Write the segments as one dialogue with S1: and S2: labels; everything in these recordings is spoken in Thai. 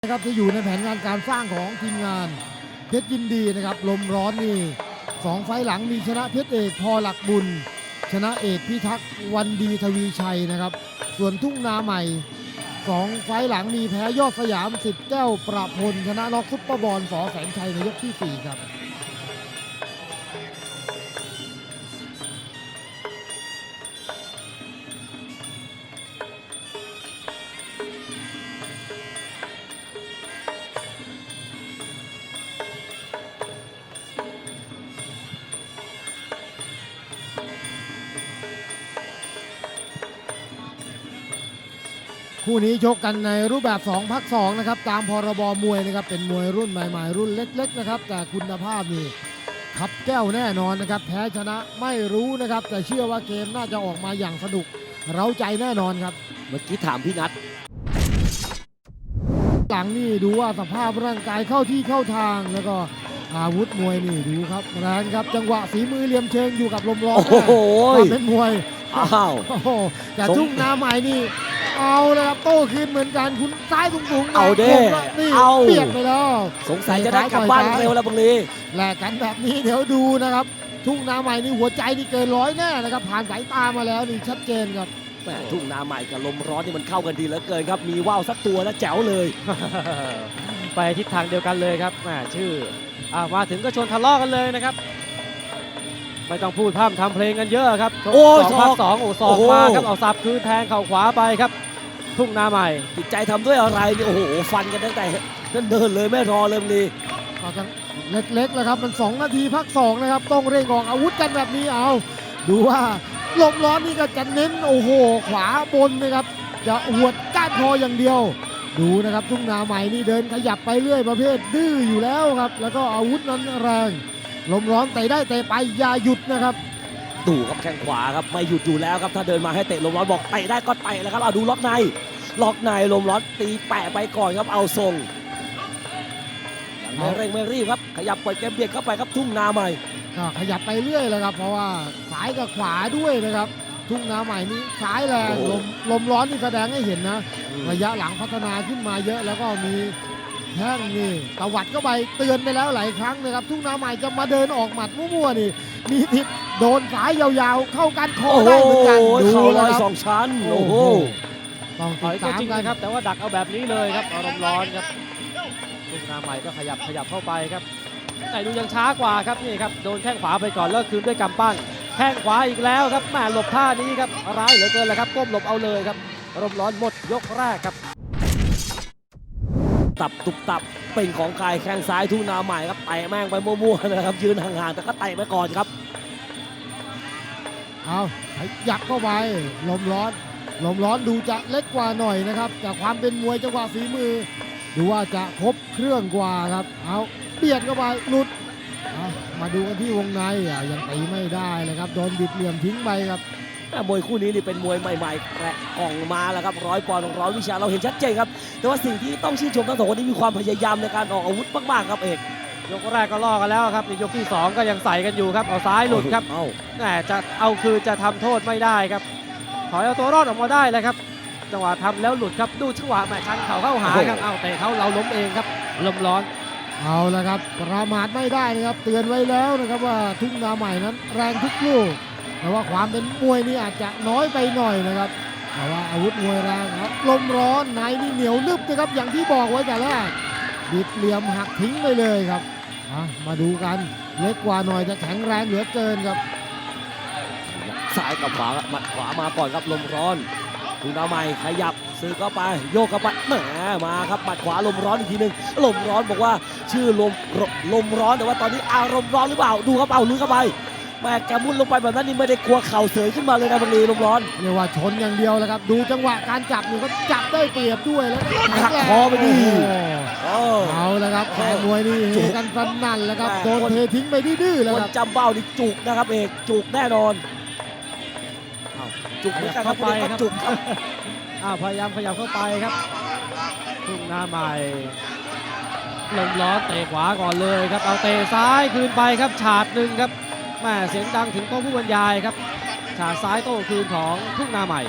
S1: นะครับที่อยู่ในแผนงานการสร้างของทีมงานเพชรยินดีนะครับลมร้อนนี่2 ไฟล์หลังมีชนะเพชรเอกพอหลักบุญชนะเอกพิทักษ์วันดีทวีชัยนะครับส่วนทุ่งนาใหม่2 ไฟล์หลังมีแพ้ยอดสยามสิทธิ์แก้วประพลชนะน็อกซุปเปอร์บอลสอแสงชัยในยกที่4ครับคู่นี้ชกกันในรูปแบบ2 พัก 2นะครับตามพรบมวยนะครับเป็นมวยรุ่นใหม่ๆรุ่นเล็กๆนะครับแต่คุณภาพนี่ขับแก้วแน่นอนนะครับแพ้ชนะไม่รู้นะครับแต่เชื่อว่าเกมน่าจะออกมาอย่างสนุกเร้าใจแน่นอนครับ
S2: เมื่อกี้ถามพี่นัท
S1: หลังนี่ดูว่าสภาพร่างกายเข้าที่เข้าทางแล้วก็อาวุธมวยนี่ดูครับแรงครับจังหวะฝีมือเหลี่ยมเชิงอยู่กับลมร้อน
S2: โอ้โห
S1: เป็นมวย
S2: อ้าว
S1: แต่ทุ่งนาใหม่นี่เอาเลยครับโต้คืนเหมือนกันคุณซ้ายสูงๆ
S2: เอาเด้
S1: นี่
S2: เอา
S1: เปียกไปแล้ว
S2: สงสัยจะได้กลับบ้านเร็วแล้วบังลี
S1: แลกกันแบบนี้เดี๋ยวดูนะครับทุ่งนาใหม่นี่หัวใจนี่เกิน100แน่นะครับผ่านสายตามาแล้วนี่ชัดเจนครับ
S2: แหมทุ่งนาใหม่กับลมร้อนนี่มันเข้ากันดีเหลือเกินครับมีว่าวสักตัวแล้วแจ๋วเลย
S3: ไปทิศทางเดียวกันเลยครับแหมชื่อมาถึงก็ชวนทะเลาะกันเลยนะครับไม่ต้องพูดพร่ำทำเพลงกันเยอะครับ
S2: โอ้
S3: 2 ภาค 2ศอกมาครับเอาสับคืนแทงเข่าขวาไปครับทุ่งนาใหม่
S2: จิตใจทำด้วยอะไรนี่โอ้โหฟันกันตั้งแต่นั่นเดินเลยไม่รอเลยบังลี
S1: ก็จะเล็กๆแล้วครับมัน2 นาทีพัก 2นะครับต้องเร่งออกอาวุธกันแบบนี้เอาดูว่าลมร้อนนี่ก็จะเน้นโอ้โหขวาบนนะครับจะหวดก้านคออย่างเดียวดูนะครับทุ่งนาใหม่นี่เดินขยับไปเรื่อยประเภทดื้ออยู่แล้วครับแล้วก็อาวุธนั้นแรงลมร้อนเตะได้เตะไปอย่าหยุดนะครับ
S2: ดูครับแข้งขวาครับไม่หยุดอยู่แล้วครับถ้าเดินมาให้เตะลมร้อนบอกเตะได้ก็เตะแล้วครับเอาดูล็อกในลมร้อนตีแปะไปก่อนครับเอาทรงไม่เร่งไม่รีบครับขยับปล่อยเกมเบียดเข้าไปครับทุ่งนาใหม่
S1: ก็ขยับไปเรื่อยเลยครับเพราะว่าซ้ายกับขวาด้วยนะครับทุ่งนาใหม่นี้ซ้ายแรงลมร้อนนี่แสดงให้เห็นนะระยะหลังพัฒนาขึ้นมาเยอะแล้วก็มีแข้งนี่ตวัดเข้าไปเตือนไปแล้วหลายครั้งนะครับทุ่งนาใหม่จะมาเดินออกหมัดมั่วๆนี่มีทิศโดนสายยาวๆเข้ากันคอได้เหมือนกัน
S2: ดูเลย2 ชั้นโอ้โห
S1: ต้องติดตาม
S3: จริงนะครับแต่ว่าดักเอาแบบนี้เลยครับอารมณ์ร้อนครับทุ่งนาใหม่ก็ขยับเข้าไปครับแต่ดูยังช้ากว่าครับนี่ครับโดนแข้งขวาไปก่อนแล้วคืนด้วยกำปั้นแข้งขวาอีกแล้วครับแม่หลบท่านี้ครับร้ายเหลือเกินเลยครับก้มหลบเอาเลยครับอารมณ์ร้อนหมดยกแรกครับ
S2: ตุบตับเป็นของใครแข้งซ้ายทุ่งนาใหม่ครับเตะแม่งไปมั่วๆนะครับยืนห่างๆแต่ก็เตะไปก่อนครับ
S1: เอายักเข้าไปลมร้อนดูจะเล็กกว่าหน่อยนะครับจากความเป็นมวยจังหวะฝีมือดูว่าจะครบเครื่องกว่าครับเอาเบียดเข้าไปหลุดมาดูกันที่วงในยังตีไม่ได้เลยครับโดนบิดเหลี่ยมทิ้งไปครับ
S2: มวยคู่นี้นี่เป็นมวยใหม่ๆแกะกล่องมาแล้วครับ100 ปอนด์100 วิชาเราเห็นชัดเจนครับแต่ว่าสิ่งที่ต้องชื่นชมทั้งสองคนนี้มีความพยายามในการออกอาวุธมากๆครับเอก
S3: ยกแรกก็ล่อกันแล้วครับในยกที่2ก็ยังใส่กันอยู่ครับเอาซ้ายหลุดครับแต่จะเอาคือจะทำโทษไม่ได้ครับถอยเอาตัวรอดออกมาได้เลยครับจังหวะทำแล้วหลุดครับดูจังหวะแม่ชันเข่าเข้าหาครับเอาเตะเขาเราล้มเองครับลมร้อน
S1: เอาละครับประมาทไม่ได้นะครับเตือนไว้แล้วนะครับว่าทุ่งนาใหม่นั้นแรงทุกลูกแต่ว่าความเป็นมวยนี่อาจจะน้อยไปหน่อยนะครับแต่ว่าอาวุธมวยแรงครับลมร้อนในนี่เหนียวนึบนะครับอย่างที่บอกไว้แต่แรกบิดเหลี่ยมหักทิ้งไปเลยครับมาดูกันเล็กกว่าหน่อยจะแข็งแรงเหลือเกินครับ
S2: ซ้ายกับขวาหมัดขวามาก่อนครับลมร้อนทุ่งนาใหม่ขยับซื้อเข้าไปโยกเข้าไปแหมมาครับหมัดขวาลมร้อนอีกทีนึงลมร้อนบอกว่าชื่อลมร้อนแต่ว่าตอนนี้อารมณ์ร้อนหรือเปล่าดูครับเอาลุยเข้าไปแม่แกมุดลงไปแบบนั้นนี่ไม่ได้กลัวเข่าเสยขึ้นมาเลยนะบังลีลมร้อน
S1: เรียกว่าชนอย่างเดียวแล้วครับดูจังหวะการจับนี่ก็จับได้เปรียบด้วยแล้ว
S2: หักคอไปดี
S1: เอาแล้วครับแฟนมวยนี่เฮกันสนั่นแล้วครับโดนเททิ้งไปดื้อๆแล้วครับ
S2: จำเบ้านี่จุกนะครับเอกจุกแน่นอนจุกเหมือนกันครับจุกครับ
S3: พยายามขยับเข้าไปครับทุ่งนาใหม่ลมร้อนเตะขวาก่อนเลยครับเอาเตะซ้ายคืนไปครับฉาดหนึ่งครับแม่เสียงดังถึงโต๊ะผู้บรรยายครับฉาดซ้ายโต้คืนของทุ่งนาใหม่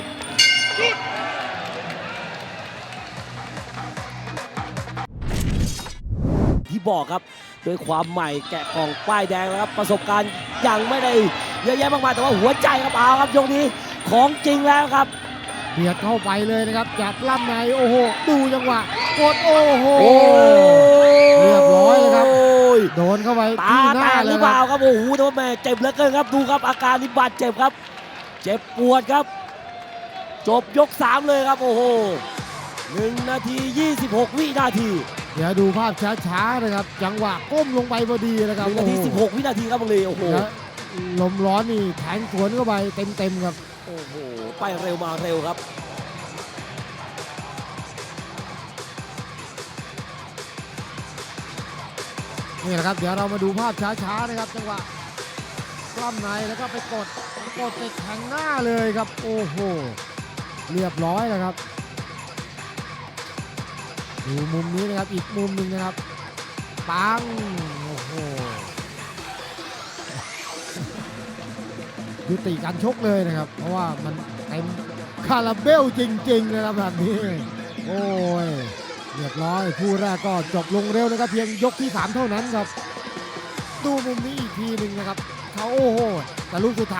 S2: บอกครับด้วยความใหม่แกะกล่องป้ายแดงแล้วครับประสบการณ์ยังไม่ได้เยอะแยะมากมายแต่ว่าหัวใจครับเอาครับยกนี้ของจริงแล้วครับ
S1: เบียดเข้าไปเลยนะครับจับล่ำในโอ้โหดูจังหวะกดโอ้โห เรียบร้อยเลยครับ โดนเข้าไป
S2: ตา
S1: ที่ห
S2: แต
S1: น้าก
S2: ห
S1: เล
S2: รื
S1: ย
S2: อ
S1: ค
S2: เป
S1: รับ
S2: ล่าครับโอ้โหแต่ว่าแม่เจ็บเหลือเกินครับดูครับอาการนี้บาดเจ็บครับ เจ็บปวดครับ จบยก 3 เลยครับโอ้โห1 นาที 26 วินาที
S1: เดี๋ยวดูภาพช้าๆนะครับจังหวะก้มลงไปพอดีนะครับ
S2: 1 นาที 16 วินาทีครับบังลีโอ้โห
S1: แล้วลมร้อนนี่แทงสวนเข้าไปเต็มๆครับ
S2: โอ้โหไปเร็วมาเร็วครับ
S1: นี่แหละครับเดี๋ยวเรามาดูภาพช้าๆนะครับจังหวะกล้ามในแล้วก็ไปกดติดแทงหน้าเลยครับโอ้โหเรียบร้อยแล้วครับดูมุมนี้นะครับอีกมุมหนึ่งนะครับปังโอ้โหยุติการชกเลยนะครับ เพราะว่ามันเต็มคาราเบลจริงๆนะครับแบบนี้โอ้ยเรียบร้อยคู่แรกก็จบลงเร็วนะครับเพียงยกที่ 3 เท่านั้นครับดูมุมนี้อีกทีหนึ่งนะครับเขาโอ้โหแต่ลูกสุดท้าย